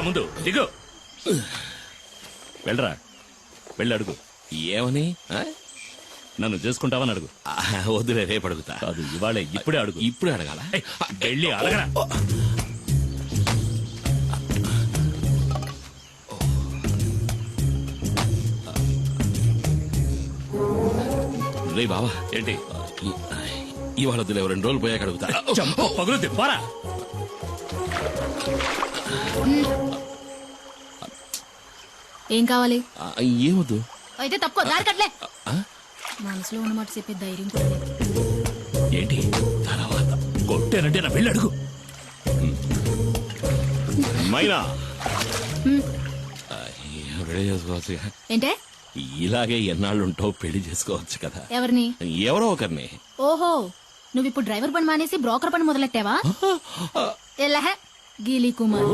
ముందు దిగు. వెళ్ళరా, వెళ్ళి అడుగు. ఏమని? నన్ను చేసుకుంటావని అడుగు. వద్దులే, రేపు అడుగుతా. కాదు, ఇవాళే, ఇప్పుడే అడుగు. ఇప్పుడే అడగాల? వెళ్ళి అడగరా. రే బావా, ఏంటి? ఇవాళ వద్దులే, 2 రోజులు పోయాక అడుగుతా. పగులుద్ది, పోరా. ఏం కావాలి? ఏమొద్దు. అయితే తప్పుకో, దారి కట్లే. మనసులో ఉన్నమాట చెప్పే ధైర్యం కూడా లేదు. ఏంటి తర్వాత? కొట్టానంటే నా వెళ్ళి అడుగు. మైనా రెడీ చేసుకోవచ్చు. ఏంటే? ఇలాగే ఎన్నాళ్ళుంటావు, పెళ్లి చేసుకోవచ్చు కదా. ఎవరిని? ఎవరో ఒకరిని. ఓహో, నువ్వు ఇప్పుడు డ్రైవర్ పని మానేసి బ్రోకర్ పని మొదలెట్టావా? ఎల్లహ గీలీ కుమార్.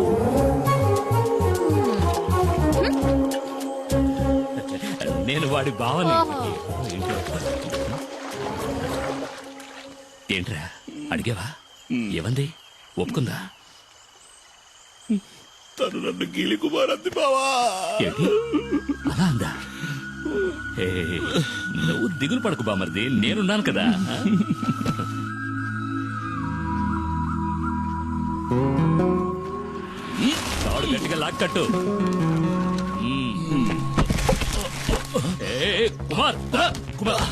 నేను వాడి బావని. ఏంట్రా అడిగావా? ఏమంది? ఒప్పుకుందా? తను నన్ను గీలి కుమార్ అంది బావా. ఏంటి అలా అందా? నువ్వు దిగులు పడకు బామర్ది, నేనున్నాను కదా. తాడు గట్టిగా లాక్కట్టు. కుమార్, కుమార్.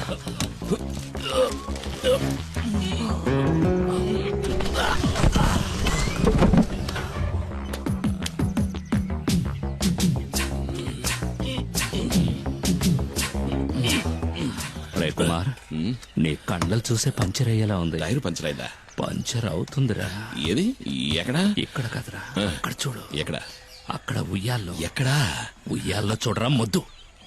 కుమార్, నీ కళ్ళలు చూసే పంచర్ అయ్యేలా ఉంది. టైర్ పంచర్ అయిందా? పంచర్ అవుతుందిరా. ఏది? ఎక్కడా? ఇక్కడ కదరా, అక్కడ చూడు. ఎక్కడ? అక్కడ ఉయ్యాల్లో. ఎక్కడా? ఉయ్యాల్లో చూడరా మొద్దు.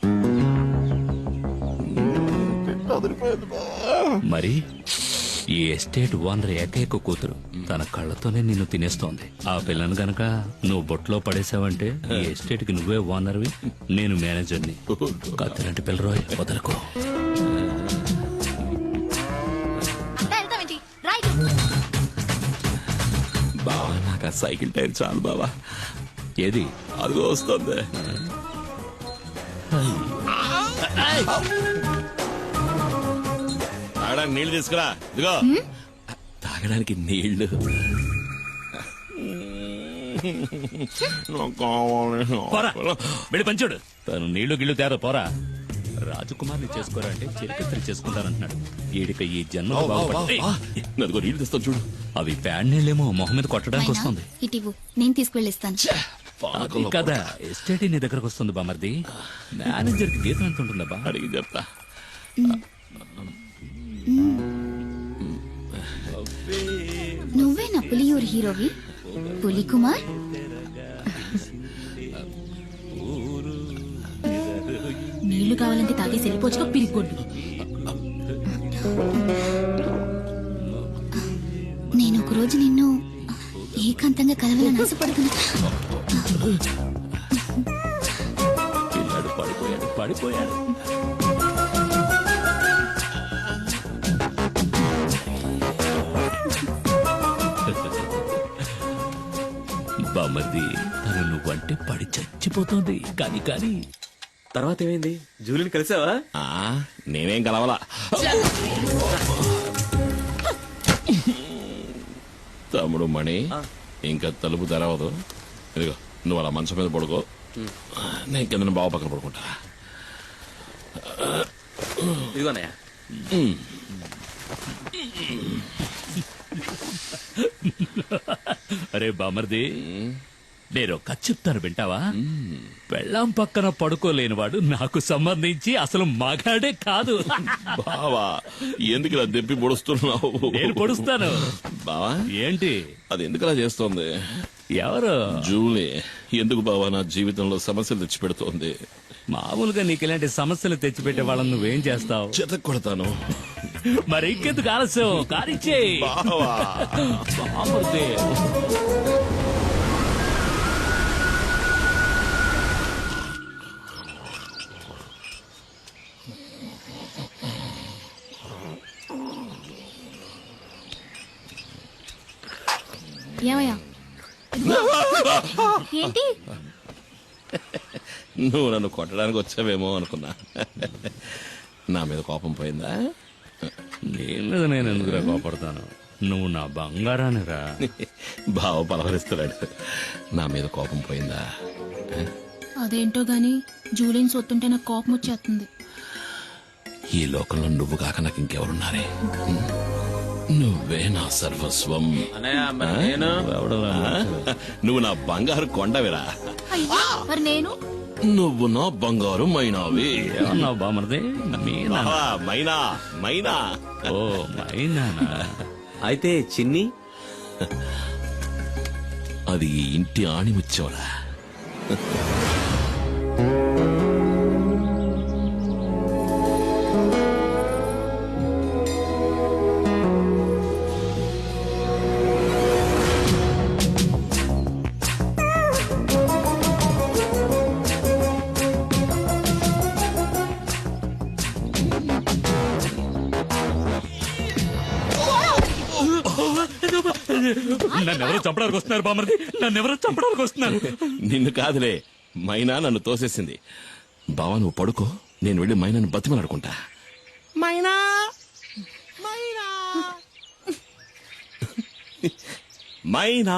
మరి ఈ ఎస్టేట్ ఓనర్ ఏకైక కూతురు తన కళ్ళతోనే నిన్ను తినేస్తోంది. ఆ పిల్లను గనక నువ్వు బొట్లో పడేసావంటే ఈ ఎస్టేట్ కి నువ్వే ఓనర్వి, నేను మేనేజర్ని. కత్తిలాంటి పిల్లరోయ్, వదలకు. బావా, నాకు ఆ సైకిల్ టైర్ చాలు బావా. ఏది? అదిగో వస్తుంది. తాగడానికి నీళ్లు తీసుకురా. ఇదిగో తాగడానికి నీళ్లు. వెళ్ళి పంచాడు. తను నీళ్లు గిళ్ళు తేరా, పోరా. రాజకుమార్ని చేసుకోరా అంటే చిరకత్రి చేసుకుంటానంటున్నాడు. ఈడిక ఈ జన్మ అదిగో నీళ్లు తెస్తాను చూడు. అవి ప్యాడ్ నీళ్ళేమో మొహం మీద కొట్టడానికి వస్తుంది. ఇటివు, నేను తీసుకువెళ్ళిస్తాను కదా. ఎస్టేట్ నీ దగ్గరకు వస్తుంది బామర్ది. మేనేజర్ కి జీతం ఎంత ఉంటుందా బా? అడిగి చెప్తా. నువ్వే నా పులియూరు హీరోవి, పులి కుమార్. నీళ్లు కావాలంటే తాగేసి వెళ్ళిపోవచ్చుగా, పిరిగొడ్డు. నేను ఒకరోజు నిన్ను ఏకాంతంగా కలవాలని ఆశపడుతున్నా. పిల్లాడు పడిపోయాడు, పడిపోయాడు. బామర్ది, తను నువ్వంటే పడి చచ్చిపోతుంది. కానీ కానీ తర్వాత ఏమైంది? జూలిని కలిసావా? నేనేం కలవాలా. తమ్ముడు మణి, ఇంకా తలుపు తెరవదు. ఇదిగో నువ్వు అలా మంచం మీద పడుకో, నేను కింద బావ పక్కన పడుకుంటా. ఇదిగోనయ్యా. అరే బామర్ది, నేను కథ చెప్తాను వింటావా? పెళ్ళాం పక్కన పడుకోలేనివాడు నాకు సంబంధించి అసలు మగాడే కాదు. బావా, ఎందుకు ఇలా దెప్పి పొడుస్తున్నావు? నేను పొడుస్తాను. బావా ఏంటి? అది ఎందుకు అలా చేస్తోంది? ఎవరు? జూలీ. ఎందుకు బావా నా జీవితంలో సమస్యలు తెచ్చిపెడుతోంది? మామూలుగా నీకు ఇలాంటి సమస్యలు తెచ్చిపెట్టే వాళ్ళని నువ్వేం చేస్తావు? చెత్త కొడతాను. మరి ఇంకెందుకు ఆలస్యం? కానిచ్చే బావా. బామర్ది. ఏమయ్యా, ఏంటి నువ్వు నన్ను కొట్టడానికి వచ్చావేమో అనుకున్నా. నా మీద కోపం పోయిందా? నీ మీద నేను ఎందుకురా కోపడతాను? నువ్వు నా బంగారాన్ని రా. బావ పలవరిస్తున్నాడు. నా మీద కోపం పోయిందా? అదేంటో గాని జూలిని సొత్తుంటే నాకు కోపం వచ్చేస్తుంది. ఈ లోకంలో నువ్వు కాక నాకు ఇంకెవరున్నారే? నువ్వే నా సర్వస్వం. అన్నయ్య మరి నేను నువ్వు నా బంగారు కొండవిరా. అయ్యో మరి నేను నువ్వు నా బంగారు మైనావి. ఏమన్నావు బామర్ది? మీనా? మైనా మైనా. ఓ మైనానా? అయితే చిన్ని అది ఈ ఇంటి ఆణిముచ్చోరా. నన్నెవరో చంపడానికి వస్తున్నారు బామర్ది, నన్నెవరో చంపడానికి వస్తున్నారు. నిన్ను కాదులే, మైనా నన్ను తోసేసింది. బావా నువ్వు పడుకో, నేను వెళ్ళి మైనాను బతిమలాడుకుంటా. మైనా మైనా మైనా.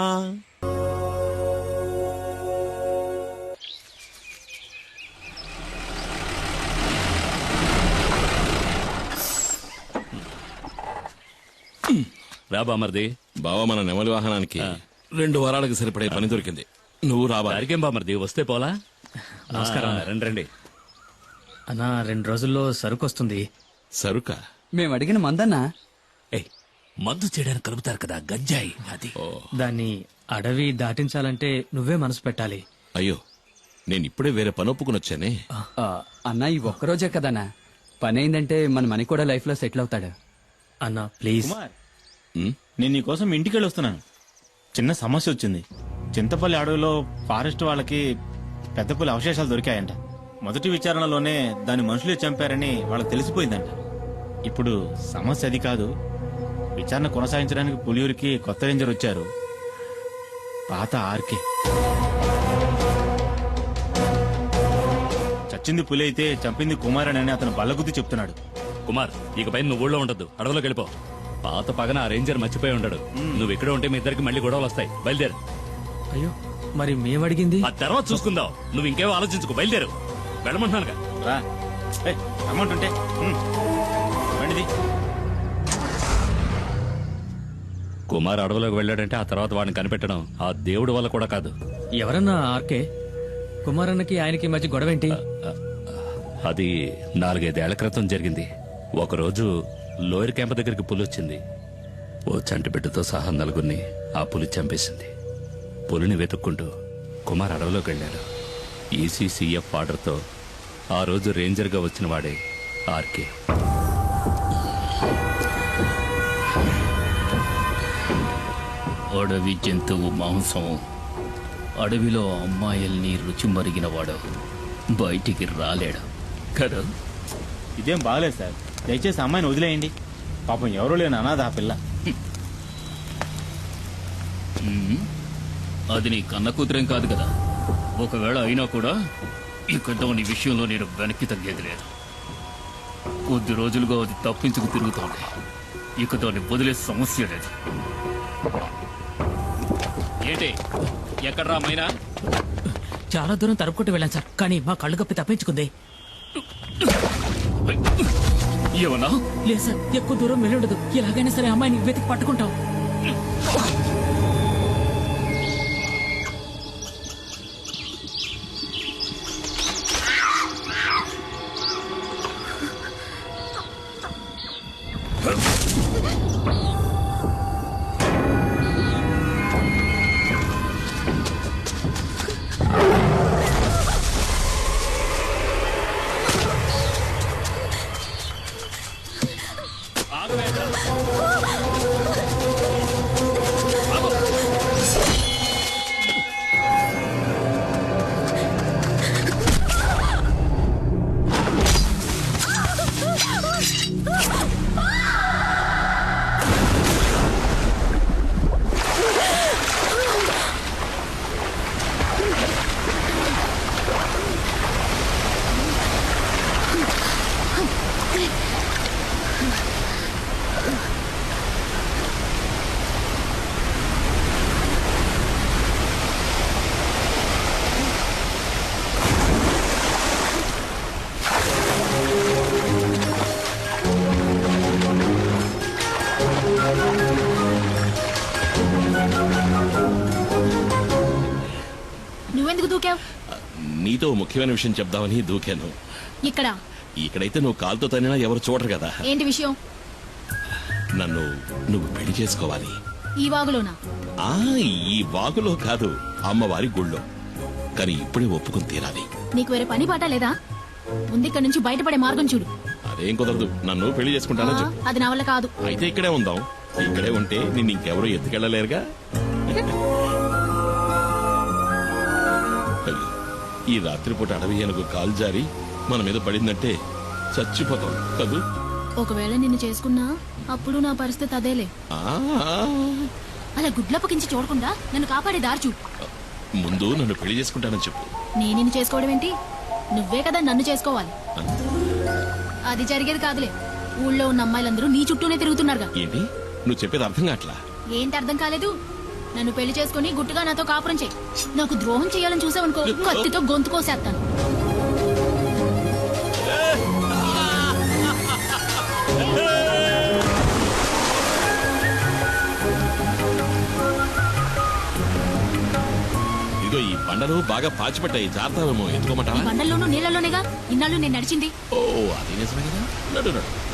రా బామర్ది. బావ మన నెమలి వాహనానికి 2 వారాలకు సరిపడే పని దొరికింది. నువ్వు రావాలి. దారికేం బామర్ది, వస్తే పోలా? నమస్కారం. రండి రండి. అన్నా 2 రోజుల్లో సరుకు వస్తుంది. సరుక? మేము అడిగిన మందన్నా. ఏయ్, మద్దు చేయడానికి కలుపుతారు కదా గంజాయి, అది. దాన్ని అడవి దాటించాలంటే నువ్వే మనసు పెట్టాలి. అయ్యో, నేను ఇప్పుడే వేరే పని ఒప్పుకుని వచ్చానే. అన్నా ఈ ఒక్కరోజే కదన్నా, పని అయిందంటే మన మనీ కూడా లైఫ్ లో సెటిల్ అవుతాడు. అన్నా ప్లీజ్. నేను నీకోసం ఇంటికి వెళ్ళి వస్తున్నాను. చిన్న సమస్య వచ్చింది. చింతపల్లి అడవిలో ఫారెస్ట్ వాళ్ళకి పెద్ద పులి అవశేషాలు దొరికాయంట. మొదటి విచారణలోనే దాన్ని మనుషులే చంపారని వాళ్ళకి తెలిసిపోయిందంట. ఇప్పుడు సమస్య అది కాదు. విచారణ కొనసాగించడానికి పులియూరికి కొత్త రేంజర్ వచ్చారు, పాత ఆర్కే. చచ్చింది పులి అయితే చంపింది కుమారన్ అని అతను బల్లగుద్ది చెప్తున్నాడు. కుమార్, ఇకపై నువ్వు ఊళ్ళో ఉండద్దు, అడవిలోకి వెళ్ళిపో. పాత పగన ఆ రేంజర్ మర్చిపోయి ఉండడు. నువ్వు ఇక్కడ ఉంటే మీ ఇద్దరికి మళ్ళీ గొడవలు వస్తాయి. బయలుదేరు. అయ్యో మరి మేమడిగింది ఆ తర్వాత చూసుకుందాం. నువ్వు ఇంకేవో ఆలోచించుకో, బయలుదేరు. వెళ్ళమంటున్నానుగా. రా అమౌంట్ ఉంటే బండిది. కుమార్ అడవిలోకి వెళ్ళాడంటే ఆ తర్వాత వాడిని కనిపెట్టడం ఆ దేవుడి వల్ల కూడా కాదు. ఎవరన్నా ఆర్కే? కుమారన్నకి ఆయనకి మధ్య గొడవేంటి? అది 4-5 ఏళ్ల క్రితం జరిగింది. ఒకరోజు లోయర్ క్యాంప్ దగ్గరికి పులి వచ్చింది. ఓ చంటి బిడ్డతో సహా 4గురిని ఆ పులి చంపేసింది. పులిని వెతుక్కుంటూ కుమార్ అడవిలోకి వెళ్ళాడు. ఈసీసీఎఫ్ ఆర్డర్తో ఆ రోజు రేంజర్గా వచ్చిన వాడే ఆర్కే. అడవి జంతువు మాంసం, అడవిలో అమ్మాయిల్ని రుచి మరిగినవాడు బయటికి రాలేడు కదా. ఇదేం బాగలేదు సార్, దయచేసి అమ్మాయిని వదిలేయండి. పాపం ఎవరూ లేని అనాథ ఆ పిల్ల. అది నీ కన్న కూతురేం కాదు కదా. ఒకవేళ అయినా కూడా ఇక దాని విషయంలో నేను వెనక్కి తగ్గేది లేదు. కొద్ది రోజులుగా అది తప్పించుకు తిరుగుతోంది. ఇక దాన్ని వదిలే సమస్య లేదు. ఏంటి ఎక్కడ్రా మైనా? చాలా దూరం తరుపుకుంటూ వెళ్ళాను సార్, కానీ మా కళ్ళు కప్పి తప్పించుకుంది. ఏమన్నా? లేదు సార్, ఎక్కువ దూరం వెళ్ళుండదు. ఎలాగైనా సరే అమ్మాయిని వెతికి పట్టుకుంటాం. ఎందుకు దూకావు నీతో ముఖ్యమైన విషయం చెప్దామని దూకాను. ఇక్కడ ఇక్కడైతే నువ్వు కాలుతో తనినా ఎవరు చూడరు కదా. ఏంటి విషయం? నువ్వు పెళ్లి చేసుకోవాలి. ఈ వాగులోనా? ఆ ఈ వాగులో కాదు, అమ్మవారి గుళ్ళో. కానీ ఇప్పుడే ఒప్పుకుని తీరాలి. నీకు వేరే పని పాట లేదా? ముందు ఇక్కడ నుంచి బయటపడే మార్గం చూడు. అదేం కుదరదు. నన్ను పెళ్లి చేసుకుంటానని చెప్పు. అది నా వల్ల కాదు. అయితే ఇక్కడే ఉందాం. ఇక్కడే ఉంటే నిన్ను ఇంకెవరూ ఎత్తుకెళ్ళలేరుగా. అయ్యో, ఈ రాత్రిపూట అడవి ఏనుగు కాలు జారి మన మీద పడిందంటే చచ్చిపోతాం కదూ. ఒకవేళ నిన్ను చేసుకున్నా అప్పుడు నా పరిస్థితి అదేలే. ఆ, అలా గుడ్లప్పకించి చూడకుండా నన్ను కాపాడే దారి చూడు. ముందు నన్ను పెళ్లి చేసుకుంటానని చెప్పు. నేను నిన్ను చేసుకోవడం ఏంటి? నువ్వే కదా నన్ను చేసుకోవాలి. అది జరిగేది కాదులే. ఊళ్ళో ఉన్న అమ్మాయిలందరూ నీ చుట్టూనే తిరుగుతున్నారుగా. ఏంటి నువ్వు చెప్పేది అర్థం కావట్లా? ఏంటి అర్థం కాలేదు? నన్ను పెళ్లి చేసుకుని గుట్టుగా నాతో కాపురం చేయి. నాకు ద్రోహం చేయాలని చూసావనుకో, కత్తితో గొంతు కోసేస్తాను. ఇదిగో ఈ బండలు బాగా పాచిపట్టాయి, జాగ్రత్తమేమో. ఈ ఎత్తుకోమంటావా? బండల్లోనూ నీళ్ళలోనేగా ఇన్నాళ్ళు నేను నడిచింది. ఓ అది నిజమే కదా. నడు నడు.